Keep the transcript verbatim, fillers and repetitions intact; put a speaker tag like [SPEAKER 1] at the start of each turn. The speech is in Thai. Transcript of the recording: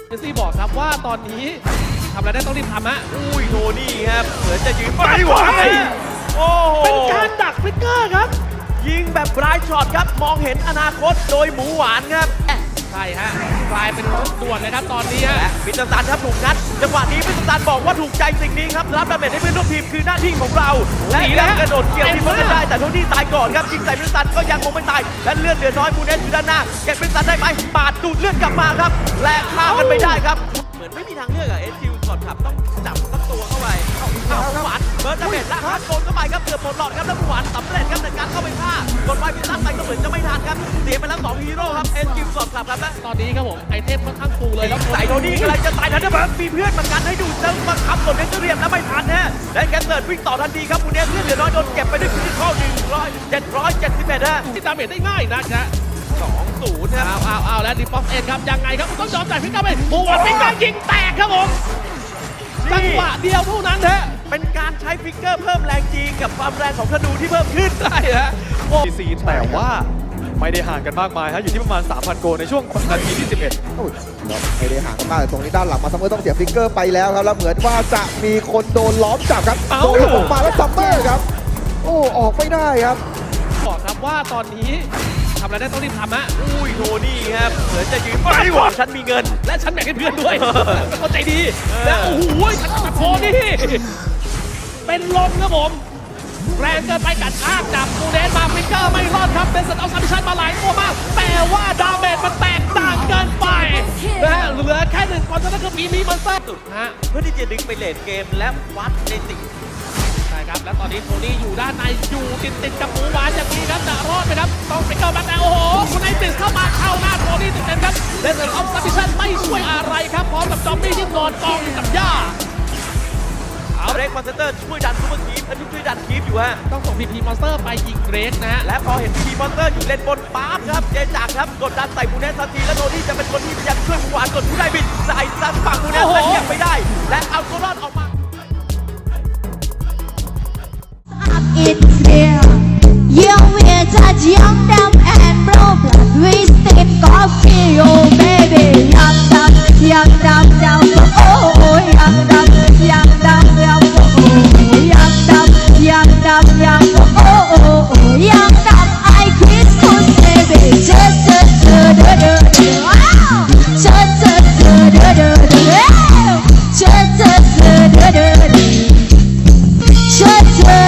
[SPEAKER 1] เจสซี่บอกครับว่าตอนนี้ทำอะไรได้ต้องรีบทำฮะ
[SPEAKER 2] อุ้ยโทนี่ครับเหมือนจะยืนไม่ไหวโอ้โห
[SPEAKER 1] เป็นการดักฟิกเกอร์ครับ
[SPEAKER 2] ยิงแบบไร้ช็อตครับมองเห็นอนาคตโดยหมูหวานครับ
[SPEAKER 1] ใช่ฮะกลายเป็นรถด่วนเลยครับตอนนี้ฮะ
[SPEAKER 2] พิตซันครับถูกงัดจังหวะนี้พิตซันบอกว่าถูกใจสิ่งนี้ครับรับดาเมจให้เพื่อนร่วมทีมคือหน้าที่ของเราและยังกระโดดเกี่ยวทีมเพื่อนได้แต่โทนี่ตายก่อนครับยิงใส่พิตซันก็ยังคงไม่ตายและเลือดเหลือน้อยมูเนสอยู่ด้านหน้าเก็บพิตซันได้ไหมปาดดูดเลือดกลับมาครับและฆ่ากันไม่ได้ครับเหมือนไม่มีทางเลือกอะเอสคิวก่อนขับต้องจับตั้งตัวเข้าไปเอาหวานเบิร์ดดาเมจและฮาร์ดโกนเข้าไปครับเกือบหมดหลอดครับแล้วหวานสำเร็จครับในการเข้าไปฆ่ากดไว้พิตซันไปก็เหมือนจะไม่ทันครับเสียไปแล้วสองฮีโร่ครับเอสคิวก่อนขับครับและ
[SPEAKER 1] ตอนนี้ครับผมไอเทมค่อนข้างฟูเลยแล้ว
[SPEAKER 2] ใส่โทนี่อะไรจะตายทันเดอร์เบิร์ดมีเพื่อนเหมือนกันให้ดูเซิร์ฟมาขับกดเนสเรียมแล้วไม่ทันฮะและแกเติร์ดวิ่งต่อทันทีครับมูเนสเลือดเหลือน้อยโดนเก็บไปด้วยฟิสิคอลหนึ่งร้อยเจ็ดร้อยเจ็ดสิบเอ็ดฮะ
[SPEAKER 1] ที่ดาเมจได้ง่ายนะจ๊ะ
[SPEAKER 2] สองศูนย์ครับ
[SPEAKER 1] เอาเอาเอาแล้วดิปอฟเอ็นครับยังไงครับต้องยอมจ่ายฟิกเกอร์ไปโอ้โหฟิกเกอร์ยิงแตกครับผมจังหวะเดียวเท่านั้นฮะ
[SPEAKER 2] เป็นการใช้ฟิกเกอร์เพิ่มแรงจีกับความแรงของธนูที่เพิ่มขึ้น
[SPEAKER 1] ได้ฮะ
[SPEAKER 3] ซีแต่ว่าไม่ได้ห่างกันมากมายฮะอยู่ที่ประมาณ สามพัน โกลในช่วงนาทีที่สิบเอ็ด
[SPEAKER 4] ไม่ได้ห่างกันมากแต่ตรงนี้ด้านหลังมาซัมเมอร์ต้องเสียฟิกเกอร์ไปแล้วครับแล้วเหมือนว่าจะมีคนโดนล้อมจับครับโดนออกมาแล้วซัมเมอร์ครับโอ้ออกไม่ได้ครับ
[SPEAKER 1] บอกครับว่าตอนนี้ทำอะไรได้ต้องรีบทำฮะ
[SPEAKER 2] อุ้ยโทนี่ครับเหมือนจะยืนไม่ไหวฉันมีเงิน
[SPEAKER 1] และฉันแบ่งให้เพื่อนด้วยเป็นคนใจดีและโอ้โหฉันตัดคอนี่เป็นลมครับผมแรงเกินไปกัดชากจับมูเนสมาฟิกเกอร์ไม่รอดครับเป็นสัตว์เอาซัมมิชันมาหลายตัวมากแต่ว่าดาเมจมันแตกต่างเกินไปนะฮะเหลือแค่หนึ่งคนเท่านั้นคือปีนี้มันแทบสุดฮะ
[SPEAKER 2] เพื่อที่จะดึงไปเลนเกมและวัดในสิ่ง
[SPEAKER 1] ใช่ครับและตอนนี้โทนี่อยู่ด้านในอยู่ติดติดกับหมูหวานอย่างนี้ครับจะรอดไหมครับต้องฟิกเกอร์มาแต่โอ้โหคุณไอติสเข้ามาเข้าหน้าโทนี่ติดเต็มครับเดนเซอร์ออฟซัมมิชันไม่ช่วยอะไรครับพร้อมกับจอมบี้ที่นอนกองอยู่กับหญ้า
[SPEAKER 2] เอาเรกมอนสเตอร์ช่วยดันซูเปอร์คีฟอันนี้ช่วยดันคีฟอยู่ฮะ
[SPEAKER 1] ต้องส่งพีพีมอนสเตอร์ไปยิงเรกนะฮะ
[SPEAKER 2] และพอเห็นพีพีมอนสเตอร์อยู่เลนบนปั๊บครับเจจักครับกดดันใส่มูเนสทันทีและโทนี่จะเป็นคนที่พยายามช่วยหมูหวานกดผู้ได้บิดใส่ซังฝั่งมูเนสแต่ยังไม่ได้และเอาตัวรอดออกมา
[SPEAKER 5] It's there. Yeah, we're touch young, dumb and broke. We sip coffee, oh baby. Young, dumb, young, dumb, dumb, oh, young, dumb, young, dumb, young, oh, young, dumb, young, dumb, young, oh, oh, oh, young, dumb. I kiss you, baby. Just, just, just, just, just, wow. Just, just, just, just, just, just, just, just, just, just, just.